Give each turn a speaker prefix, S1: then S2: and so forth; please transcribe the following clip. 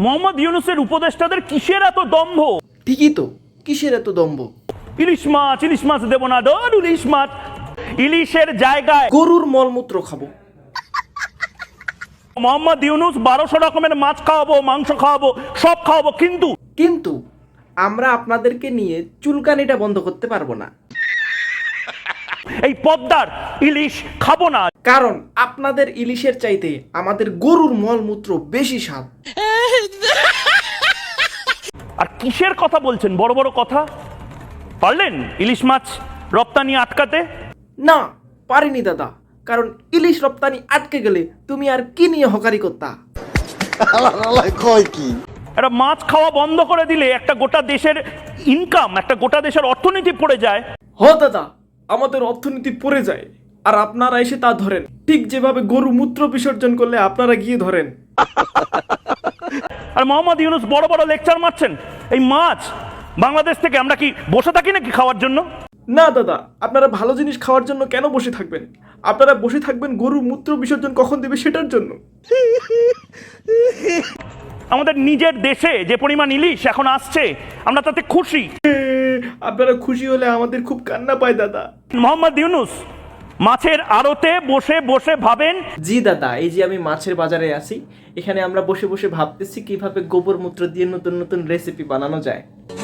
S1: মোহাম্মদ ইউনূসের উপদেষ্টাদের কিসের এত দম্ভ?
S2: ঠিকই তো, কিসের এত দম্ভ?
S1: ইলিশ মাছ দেবো না, ডর ইলিশ মাছ। ইলিশের জায়গায়
S2: গরুর মলমূত্র খাবো।
S1: মোহাম্মদ ইউনূস 1200 রকমের মাছ খাওয়াবো, মাংস খাওয়াবো, সব খাওয়াবো,
S2: কিন্তু আমরা আপনাদেরকে নিয়ে চুলকানিটা বন্ধ করতে পারবো না,
S1: এই পদ্মার ইলিশ খাবো না।
S2: কারণ আপনাদের ইলিশের চাইতে আমাদের গরুর মলমূত্র বেশি স্বাদ।
S1: আর কিসের কথা বলছেন? বড় বড় কথা। পারলেন ইলিশ মাছ রপ্তানি আটকাতে?
S2: না, পারিনি দাদা, কারণ ইলিশ রপ্তানি আটকে গেলে তুমি আর কি নিয়ে হকারি করতা?
S1: একটা মাছ খাওয়া বন্ধ করে দিলে একটা গোটা দেশের ইনকাম, একটা গোটা দেশের অর্থনীতি পড়ে যায়।
S2: হ দাদা, আমাদের অর্থনীতি পড়ে যায়, আর আপনারা এসে তা ধরেন, ঠিক যেভাবে গরু মূত্র বিসর্জন করলে আপনারা গিয়ে ধরেন।
S1: আর মোহাম্মদ ইউনূস বড় বড় লেকচার মারছেন। এই মাছ বাংলাদেশ থেকে আমরা কি বসে থাকি নাকি খাওয়ার জন্য?
S2: না দাদা, আপনারা ভালো জিনিস খাওয়ার জন্য কেন বসে থাকবেন? আপনারা বসে থাকবেন গরু মূত্র বিসর্জন কখন দেবে সেটার জন্য।
S1: আমাদের নিজের দেশে যে পরিমাণ ইলিশ এখন আসছে, আমরা তাতে খুশি।
S2: আপনারা খুশি হলে আমাদের খুব কান্না পায় দাদা।
S1: মোহাম্মদ ইউনূস মাছের আড়তে বসে বসে ভাবেন।
S2: জি দাদা, এই যে আমি মাছের বাজারে আছি, এখানে আমরা বসে বসে ভাবতেছি কিভাবে গোবর মূত্র দিয়ে নতুন নতুন রেসিপি বানানো যায়।